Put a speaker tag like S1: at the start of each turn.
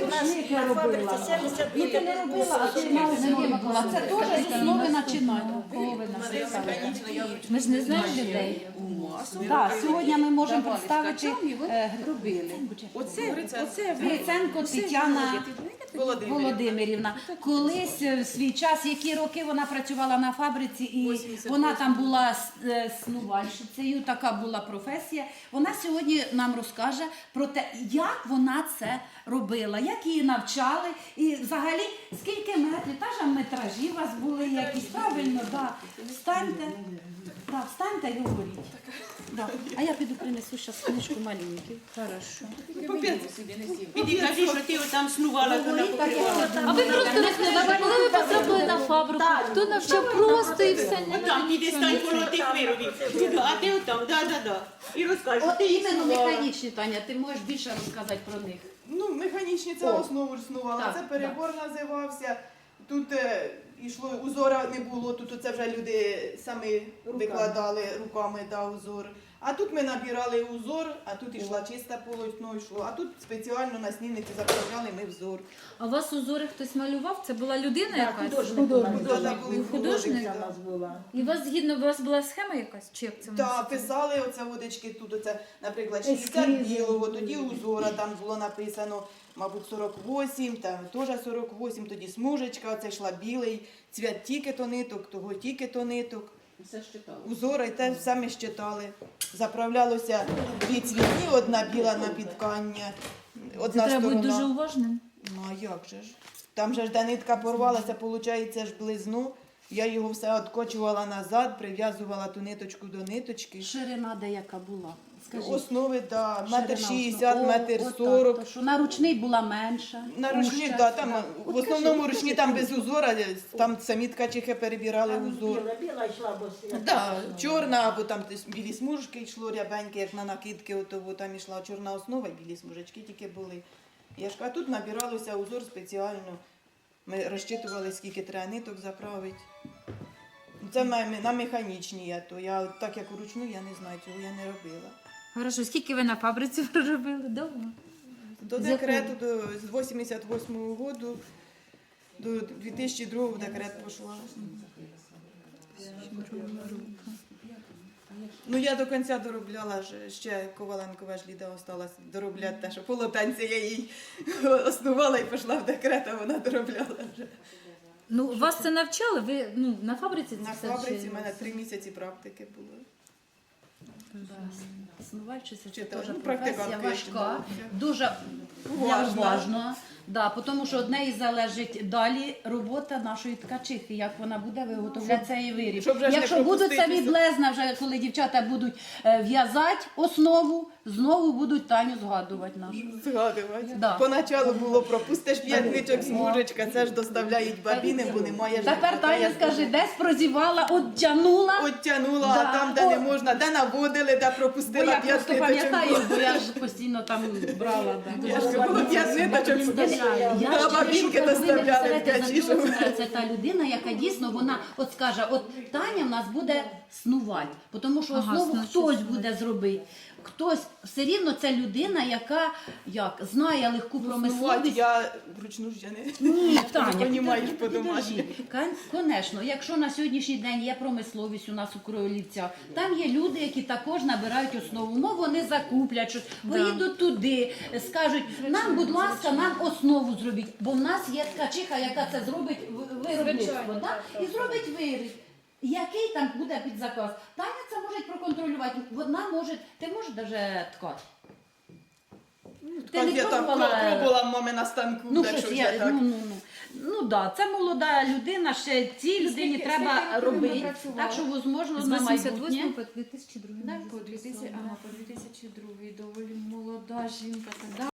S1: ручник я робила. Ну ти не робила, а ти мала зробила. Це теж з основи починання. Кого ви нас представили?
S2: Ми ж не знаємо людей.
S1: Так, сьогодні ми можемо представити Гриценко Тетяна Володимирівна. Колись в свій час, які роки вона працювала на фабриці, і вона там була снувальщицею, така була професія. Вона сьогодні нам розкаже про те, як вона це робила, як її навчали, і взагалі скільки метрів, та ж метражі у вас були якісь, правильно, да. Встаньте і говоріть. Да. А я піду принесу зараз книжку маленьку. Хорошо.
S3: Піди, кажи, що ти там снувала, то покривала.
S2: А ви просто розказали, коли ви потрапили на фабрику, хто навчав просто і все.
S3: Отам, піди, стань коло тих виробів. А ти отам, да. І розкажеш.
S1: От іменно механічні, Таня, ти можеш більше розказати про них.
S4: Ну, механічні це основу ж снувала.
S1: Так,
S4: Це перебор називався. Тут йшло, узора не було, тут це вже люди самі викладали руками узор. А тут ми набирали узор, а тут йшла чисте полотно, йшло. А тут спеціально на снівниці заправляли ми взор.
S2: А у вас узори хтось малював? Це була людина якась?
S4: Художник.
S2: І у вас була схема якась? Чи як це?
S4: Так, писали оце водички тут, оце, наприклад, 60 білого, тоді узора, там було написано, мабуть, 48, там теж 48, тоді смужечка, оце йшла білий, цвят тільки-то ниток, того тільки-то ниток.
S3: Все щитали.
S4: Узора і те самі щитали. Заправлялося дві цвітні, одна біла на підткання, одна
S2: Треба бути
S4: сторона.
S2: дуже уважним.
S4: Ну а як же ж? Там же ж де нитка порвалася, виходить, ж близну. Я його все відкочувала назад, прив'язувала ту ниточку до ниточки.
S1: Ширина деяка була. Скажіть.
S4: Основи, так,
S1: Ширина
S4: метр
S1: основи.
S4: 60, метр
S1: Отак,
S4: 40.
S1: то що на ручний була менша.
S4: На ручні,
S1: вужча.
S4: да, там в основному ручні там без узора, там самі ткачихи перебирали узор.
S5: Біла йшла, бо
S4: Да, чорна, або там білі смужки йшло рябеньке, як на накидки, отого там йшла чорна основа, і білі смужечки тільки були. Я ж кажу, а тут набиралося узор спеціально. Ми розчитували, скільки треба ниток заправити. Це на механічній я то. Я так як вручну, я не знаю, цього я не робила.
S2: Хорошо, скільки ви на фабриці проробили? Довго?
S4: До декрету, з 88-го року до 2002-го в декрет пішла. Ну я до кінця доробляла, ще Коваленкова ж Ліда осталась доробляти те, що полотенце я їй основала і пішла в декрет, а вона доробляла вже.
S2: Ну, вас це навчали? Ви на фабриці це
S4: На
S2: все
S4: фабриці в
S2: вчили?
S4: мене 3 місяці практики було.
S1: Снувальщиця це
S4: Вчитель,
S1: теж
S4: ну,
S1: професія
S4: практикантка
S1: важка,
S4: ще
S1: дуже
S4: Уважна.
S1: уважна. Да, тому що од неї залежить далі робота нашої ткачихи, як вона буде виготовляти цей виріб.
S4: щоб вже ж не
S1: Якщо будуть самі
S4: пропуститися.
S1: блезна, вже коли дівчата будуть в'язати основу, знову будуть Таню згадувати нашу.
S4: Згадувати.
S1: Да.
S4: Поначалу було пропустиш 5 ниток смужечка, це ж доставляють бабіни, бо немає ж.
S1: Тепер Таня скаже, десь прозівала, оттянула.
S4: Оттянула,
S1: Да.
S4: а там, де не
S1: О.
S4: можна, де наводили, де
S1: Бо
S4: пропустила
S1: я
S4: 5
S1: просто
S4: ниточок.
S1: пам'ятаю, бо я ж постійно там брала. Да.
S4: Я ж кажу, 5 ниточок.
S1: Я
S4: Да,
S1: ж
S4: бабінки
S1: кажу, що ви не
S4: доставляли
S1: представляєте, за
S4: ткачі,
S1: що
S4: щоб-
S1: це та людина, яка дійсно вона от скаже, от Таня в нас буде снувати, тому що
S2: Ага,
S1: основу
S2: значить,
S1: хтось буде зробити. Хтось все рівно це людина, яка знає легку
S4: Промисловість.
S1: промисловість.
S4: Я вручну ж я не.
S1: Ні, Таня,
S4: Ти розумієш
S1: підожди,
S4: по-домашньому.
S1: Звісно, якщо на сьогоднішній день є промисловість у нас у Кроївцях, там є люди, які також набирають основу. Ну вони закуплять щось, поїдуть туди, скажуть, нам, будь ласка, нам основу зробіть, бо в нас є ткачиха, яка це зробить виробництво, да? І зробить виріб. Який там буде під заказ? Таня це може проконтролювати. Вона може, ти можеш навіть ткати. Ти не
S4: Я там
S1: пробувала?
S4: пробувала мами на станку,
S1: Ну,
S4: так
S1: щось
S4: що
S1: я,
S4: вже так.
S1: ну да, це молода людина, ще цій людині треба робити. Так що, можливо,
S2: З
S1: на
S2: 88
S1: майбутнє.
S2: по 2002
S6: По 2002 доволі молода жінка.